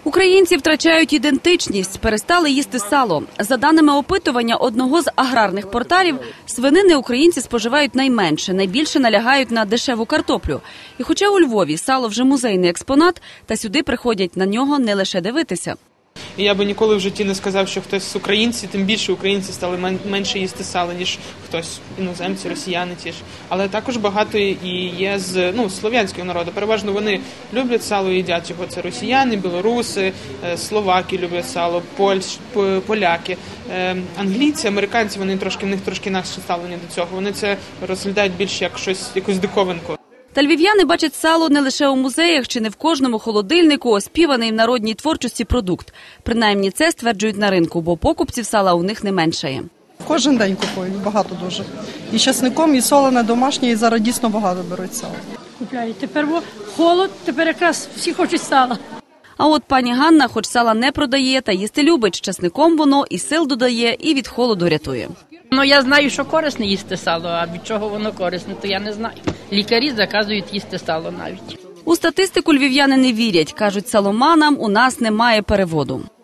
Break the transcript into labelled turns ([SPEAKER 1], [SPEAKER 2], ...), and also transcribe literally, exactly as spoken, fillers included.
[SPEAKER 1] Українці втрачають ідентичність, перестали їсти сало. За даними опитування одного з аграрних порталів, свинини українці споживають найменше, найбільше налягають на дешеву картоплю. І хоча у Львові сало вже музейний експонат, та сюди приходять на нього не лише дивитися.
[SPEAKER 2] І я би ніколи в житті не сказав, що хтось з українців, тим більше українці стали менше їсти сала, ніж хтось іноземці, росіяни ті ж. Але також багато і є з ну, слов'янського народу. Переважно вони люблять сало і їдять його. Це росіяни, білоруси, словаки люблять сало, польщ, поляки. Англійці, американці, вони трошки, в них трошки інакше ставлення до цього. Вони це розглядають більше як щось, якусь диковинку.
[SPEAKER 1] Та львів'яни бачать сало не лише у музеях чи не в кожному холодильнику оспіваний в народній творчості продукт. Принаймні це стверджують на ринку, бо покупців сала у них не меншає.
[SPEAKER 3] Кожен день купують, багато дуже. І часником, і солене домашнє, і зараз дійсно багато беруть сало.
[SPEAKER 4] Купляють. Тепер холод, тепер якраз всі хочуть сала.
[SPEAKER 1] А от пані Ганна хоч сала не продає, та їсти любить. З часником воно і сил додає, і від холоду рятує.
[SPEAKER 5] Ну, я знаю, що корисне їсти сало, а від чого воно корисне, то я не знаю. Лікарі заказують їсти сало навіть.
[SPEAKER 1] У статистику львів'яни не вірять. Кажуть, саломанам у нас немає переводу.